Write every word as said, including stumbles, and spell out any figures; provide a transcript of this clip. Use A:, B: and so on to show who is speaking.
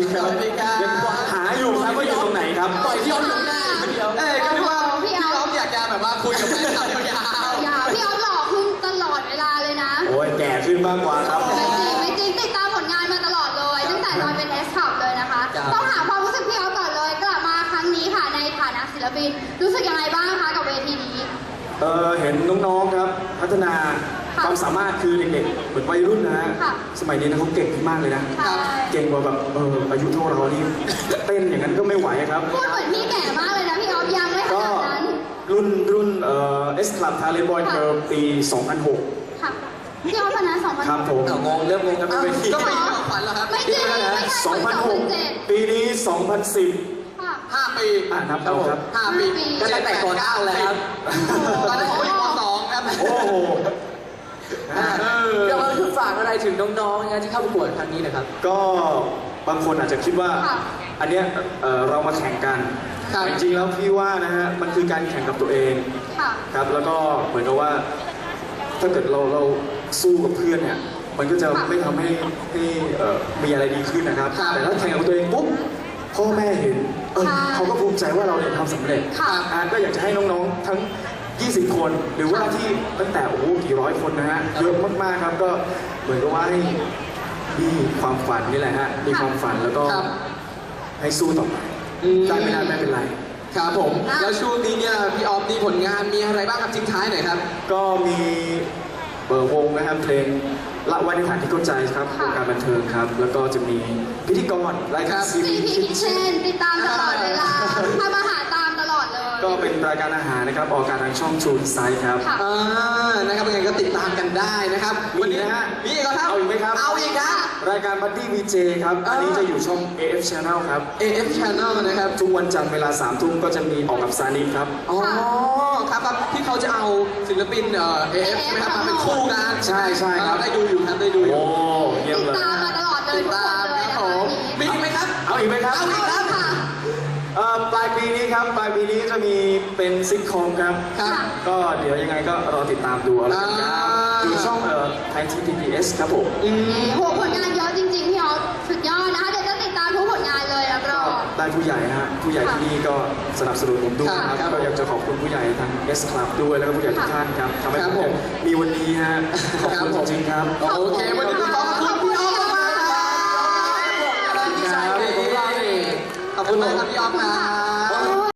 A: ครับยังหาอยู่ครับว่าอยู่ตรงไหนครับ
B: ปล่อยพี่ออฟอยู่ได้เดียวเอ้ยก็นึกว่าพี่ออฟอยากจะแบบว่าคุยกับแฟนคลับยาวๆ
C: อย่าพี่ออฟหล่อขึ้นตลอดเวลาเลยนะ
A: โอ้ยแก่ขึ้นมากกว่าครับ
C: ไม่จริงไม่จริงติดตามผลงานมาตลอดเลยตั้งแต่ตอนเป็นเอสคลับเลยนะคะต้องถามความรู้สึกพี่ออฟก่อนเลยกลับมาครั้งนี้ค่ะในฐานะศิลปินรู้สึกยังไงบ้างคะกับเวทีนี้
A: เออเห็นน้องๆครับพัฒนาความสามารถคือเด็กๆเหมือนวัยรุ่นนะฮะสมัยนี้นะเขาเก่งขึ้นมากเลยนะเก่งกว่าแบบเอออายุเท่าเรานี่เต้นอย่างนั้นก็ไม่ไหวครับ
C: พูดเหมือนพี่แก่มากเลยนะพี่ออฟยังไม่ขนาดนั้น
A: รุ่นรุ่นเอ่อเอสคลับทาเลนบอยเกิร์ลปีสองพันหก
C: ค่ะพี่ออฟคณะสองพันหก
A: ครับผม
B: งงเริ่มงงกันไปทีก็ไปยี่ห้อขวัญแล้วครับ
C: ไม่จริงไม่ใช่
A: สองพันหกปีนี้สองพันสิบ
B: ห้าปี
A: อ่านับเอาครับ
B: ห้าปีก็ตั้งแต่ก่อนเก้าแล้วครับตอนนั้นผมอยู่ป.สองครับ
A: โอ้โห
B: เดี๋ยวเราคือฝากอะไรถึงน้องๆนะที่เข้าประกวดครั้งนี้นะครับ
A: ก็บางคนอาจจะคิดว่าอันเนี้ยเรามาแข่งกันจริงๆแล้วพี่ว่านะฮะมันคือการแข่งกับตัวเองครับแล้วก็เหมือนกับว่าถ้าเกิดเราเราสู้กับเพื่อนเนี่ยมันก็จะไม่ทำให้ให้มีอะไรดีขึ้นนะครับแต่ถ้าแข่งกับตัวเองปุ๊บพ่อแม่เห็นเออเขาก็ภูมิใจว่าเราเนี่ยทำสำเร็จก็อยากจะให้น้องๆทั้งยี่สิบคนหรือว่าที่ตั้งแต่โอ้โหกี่ร้อยคนนะฮะเยอะมากๆครับก็เหมือนกับว่าให้มีความฝันนี่แหละฮะมีความฝันแล้วก็ให้สู้ต่อไปได้ไม่ได้ไม่เป็นไร
B: ครับผมแล้วช่วงนี้เนี่ยพี่ออฟมีผลงานมีอะไรบ้างครับทิ้งท้ายหน่อยครับ
A: ก็มีเบอร์วงนะครับเพลงละวันในฐานที่เข้าใจครับวงการบันเทิงครับแล้วก็จะมีพิธีกรรายการซี
C: รีส์คิทเช่นติดตามตลอดเวลาทำอาหารตามตลอดเลย
A: ก็เป็นรายการอาหารนะครับออกอากาศทางช่องชูนไซด์ครับ
B: อ่านะครับยังไงก็ติดตามกันได้นะครับ
A: วันนี้นะฮะ
B: มีอีกครับ
A: เอาอีกไหมครับ
B: เอาอีกครับ
A: รายการบัดดี้วีเจครับอันนี้จะอยู่ช่อง เอ เอฟ Channel ครับ
B: เอ เอฟ Channel นะครับ
A: ทุกวันจันทร์เวลาสามทุ่มก็จะมีออกกับซานิครับ
B: อ๋อครับครับที่เขาจะเอาศิลปินเอ่อ เอ เอฟ ใช่ไหมครับมาเป็นคู่กัน
A: ใช่ใช่ครับ
B: ได้ดูอยู่ครับได้ดูอยู่
A: โอ้เยี่ยมเลย
C: ติดตามมาตลอดเลยทุกคนเลยนะ
B: คะมีอีกไหมครับ
A: เอาอีกไหมครับ
B: เอาอีกครับ
A: ปลายปีนี้ครับปลายปีนี้จะมีเป็นซิทคอมครับก็เดี๋ยวยังไงก็รอติดตามดูแล้วกันครับอยู่ช่องเอ่อไทยที พี บี เอส ครับผม
C: โหผลงานเยอะจริงๆพี่ออฟสุดยอดนะคะเดี๋ยวจะติดตามทุกผลงานเลยแล้วก็
A: ได้ผู้ใหญ่ฮะผู้ใหญ่ที่นี่ก็สนับสนุนผมด้วยครับก็อยากจะขอบคุณผู้ใหญ่ทาง S Club ด้วยแล้วก็ผู้ใหญ่ทุกท่านครับทำให้ผมมีวันนี้ฮะขอบคุณจริงๆครับ
B: โอเควันนี้ขอบคุณพี่ออฟมากๆครับขอบคุณมากครับพี่ออฟครับ